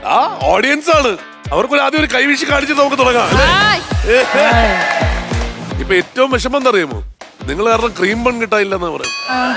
ആ ഓഡിയൻസ് ആണ്. അവർക്കൊരു ആദ്യം ഒരു കൈവീശി കാണിച്ച് നമുക്ക് തുടങ്ങാം. ഇപ്പൊ ഏറ്റവും വിഷമം എന്തറിയാമോ? നിങ്ങൾ കാരണം ക്രീം ബൺ കിട്ടാനില്ലെന്നാ പറയാം.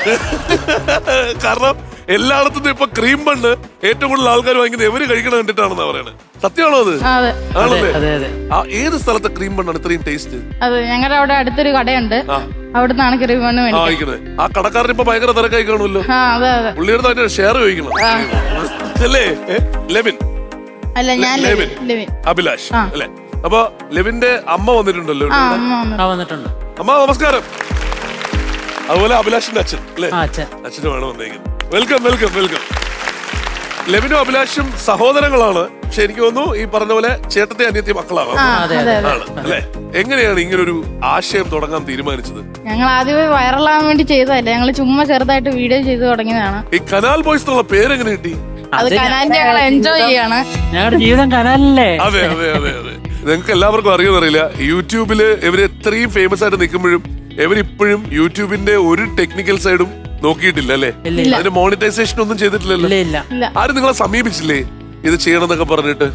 കാരണം എല്ലായിടത്തും ഇപ്പൊ ക്രീം ബണ്ണ് ഏറ്റവും കൂടുതൽ ആൾക്കാർ വാങ്ങിക്കുന്നത് എവര് കഴിക്കണം കണ്ടിട്ടാണെന്നാ പറയണത്. സത്യമാണോ അത്? ആണല്ലേ? ഏത് സ്ഥലത്തെ ക്രീം ബണ്ണാണ് ഇത്രയും ടേസ്റ്റ്? അത് ഞങ്ങളുടെ അവിടെ അടുത്തൊരു കടയുണ്ട്, അവിടുന്നാണ് ക്രീം ബണ്ണ് വാങ്ങിക്കുന്നത്. ആ കടക്കാരൻ ഇപ്പൊ ഭയങ്കര തിരക്കായി കാണുമല്ലോ. പുള്ളിയുടെ തന്നെ ഷെയർ ചോദിക്കണം അല്ലേ? ലെവിൻ അല്ല, ഞാൻ ലെവിൻ അഭിലാഷ് അല്ലെ? അപ്പൊ ലെവിന്റെ അമ്മ വന്നിട്ടുണ്ടല്ലോ. വന്നിട്ടുണ്ട്. അമ്മ നമസ്കാരം. അതുപോലെ അഭിലാഷിന്റെ അച്ഛൻ അല്ലെ? അച്ഛനുമാണ് വന്നേക്കുന്നത്. Welcome welcome welcome. ലെവിനും അഭിലാഷും സഹോദരങ്ങളാണ്. പക്ഷെ എനിക്ക് തോന്നുന്നു ഈ പറഞ്ഞ പോലെ ചേട്ടത്തെ അനിയത്തി മക്കളാണ് അല്ലെ? എങ്ങനെയാണ് ഇങ്ങനൊരു ആശയം തുടങ്ങാൻ തീരുമാനിച്ചത്? ഞങ്ങൾ ആദ്യമേ വൈറലാകാൻ വേണ്ടി ചെയ്തതല്ല, ഞങ്ങൾ ചുമ്മാ ചെറുതായിട്ട് വീഡിയോ ചെയ്ത് തുടങ്ങിയതാണ്. ഈ കനാൽ ബോയ്സ് എന്നുള്ള പേരെങ്ങനെ കിട്ടി? അത് കനാലിന്റെ ഞങ്ങൾ എൻജോയ് ചെയ്യാണ്. ഞങ്ങളുടെ ജീവിതം കനാലല്ലേ? അതെ അതെ അതെ അതെ. നിങ്ങൾക്ക് എല്ലാവർക്കും അറിയുമെന്നറിയില്ല, യൂട്യൂബില് ഇവര് എത്രയും ഫേമസ് ആയിട്ട് നിൽക്കുമ്പോഴും ഇവരിപ്പോഴും യൂട്യൂബിന്റെ ഒരു ടെക്നിക്കൽ സൈഡും നോക്കിയിട്ടില്ല അല്ലേ? അതിന് മോണിറ്റൈസേഷൻ ഒന്നും ചെയ്തിട്ടില്ലല്ലോ. ആരും നിങ്ങളെ സമീപിച്ചില്ലേ ഇത് ചെയ്യണമെന്നൊക്കെ പറഞ്ഞിട്ട്?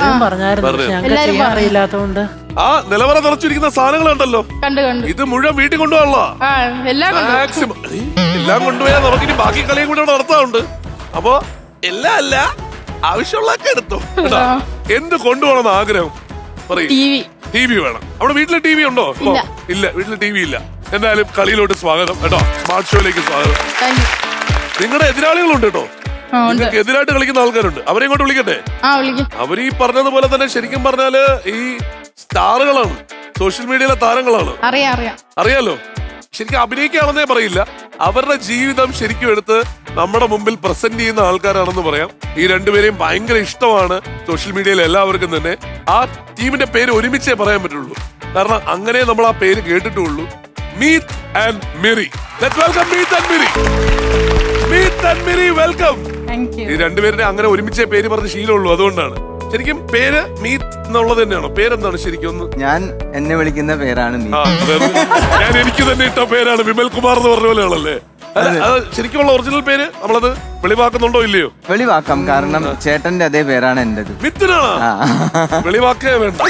അറിയില്ലാത്തോണ്ട് ആ നിലവറ നിറച്ചിരിക്കുന്ന സാധനങ്ങളുണ്ടല്ലോ, ഇത് മുഴുവൻ വീട്ടിൽ കൊണ്ടുപോകാനുള്ള മാക്സിമം എല്ലാം കൊണ്ടുപോയാൽ നമുക്കിനി ബാക്കി കളിയും കൂടെ നടത്താറുണ്ട്. അപ്പൊ എല്ലാം അല്ല, ആവശ്യമുള്ളതൊക്കെ എടുത്തോ. എന്ത് കൊണ്ടുപോകണമെന്ന് ആഗ്രഹം പറയും? ടി വി വേണം. അവിടെ വീട്ടില് ടി വി ഉണ്ടോ? ഇല്ല, വീട്ടില് ടി വി ഇല്ല. എന്തായാലും കളിയിലോട്ട് സ്വാഗതം കേട്ടോ, സ്മാർട്ട് ഷോയിലേക്ക് സ്വാഗതം. നിങ്ങളുടെ എതിരാളികളുണ്ട് കേട്ടോ, നിങ്ങൾക്ക് എതിരായിട്ട് കളിക്കുന്ന ആൾക്കാരുണ്ട്. അവരെ ഇങ്ങോട്ട് വിളിക്കട്ടെ. അവര് ഈ പറഞ്ഞതുപോലെ തന്നെ ശരിക്കും പറഞ്ഞാല് ഈ സ്റ്റാറുകളാണ്, സോഷ്യൽ മീഡിയയിലെ താരങ്ങളാണ്. അറിയാലോ, ശരിക്കും അഭിനയിക്കുകയാണെന്നേ പറയില്ല, അവരുടെ ജീവിതം ശരിക്കും എടുത്ത് നമ്മുടെ മുമ്പിൽ പ്രസന്റ് ചെയ്യുന്ന ആൾക്കാരാണെന്ന് പറയാം. ഈ രണ്ടുപേരെയും ഭയങ്കര ഇഷ്ടമാണ് സോഷ്യൽ മീഡിയയിൽ എല്ലാവർക്കും തന്നെ. ആ ടീമിന്റെ പേര് ഒരുമിച്ചേ പറയാൻ പറ്റുള്ളൂ, കാരണം അങ്ങനെ നമ്മൾ ആ പേര് കേട്ടിട്ടുള്ളൂ. Meet and Miri. Let's welcome Meet and Miri. Meet and Miri, welcome. ഈ രണ്ടുപേരുടെ അങ്ങനെ ഒരുമിച്ചേ പേര് പറഞ്ഞ് ശീലമുള്ളൂ, അതുകൊണ്ടാണ്. ശരിക്കും പേര് മീറ്റ് എന്നുള്ളത് തന്നെയാണോ? പേരെന്താണ് ശരിക്കും? ഒന്ന് ഞാൻ എന്നെ വിളിക്കുന്ന പേരാണ് ഞാൻ എനിക്ക് തന്നെ ഇട്ട പേരാണ് വിമൽ കുമാർ എന്ന് പറഞ്ഞ പോലെയാണല്ലേ? ശരിക്കുമുള്ള ഒറിജിനൽ പേര് നമ്മളത് വെളിവാക്കുന്നുണ്ടോ ഇല്ലയോ? വെളിവാക്കാം, കാരണം ചേട്ടന്റെ അതേ പേരാണ് എന്റേത്. മിത്തിനാണ്, വെളിവാക്കേ വേണ്ട.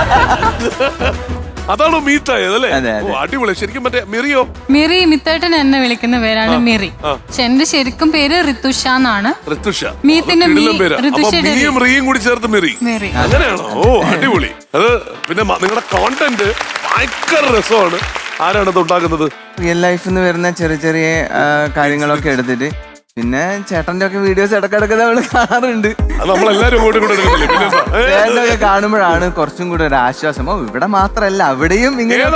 അതാണോ മീറ്റായത് അല്ലേ? അടിപൊളി. ശരിക്കും മറ്റേ മിറിയോ? മിറി മിത്തേട്ടൻ എന്നെ വിളിക്കുന്ന പേരാണ് മിറി. എന്റെ ശരിക്കും പേര് ഋതുഷ എന്നാണ്. ഋതുഷ. മീത്തിന്റെ മിയും റിയും കൂടി ചേർത്ത് മിറി, അങ്ങനെയാണോ? ഓ അടിപൊളി. അത് പിന്നെ നിങ്ങളുടെ കോണ്ടന്റ് ഭയങ്കര രസമാണ്. ആരാണ് ഇത് ഉണ്ടാക്കുന്നത്? റിയൽ ലൈഫിൽ നിന്ന് വരുന്ന ചെറിയ ചെറിയ കാര്യങ്ങളൊക്കെ എടുത്തിട്ട്, പിന്നെ ചേട്ടന്റെ ഒക്കെ വീഡിയോസ് ഇടക്കിടക്ക് നമ്മള് കാണാറുണ്ട്. ചേട്ടനൊക്കെ കാണുമ്പോഴാണ് കുറച്ചും കൂടെ ഒരു ആശ്വാസം. ഇവിടെ മാത്രല്ല, അവിടെയും ഇങ്ങനെ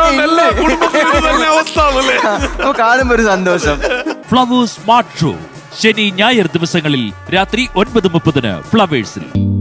കാണുമ്പോ ഒരു സന്തോഷം. ഫ്ലവേഴ്സ് സ്മാർട്ട് ഷോ ശനി ഞായർ ദിവസങ്ങളിൽ രാത്രി 9:30 ഫ്ലവേഴ്സിൽ.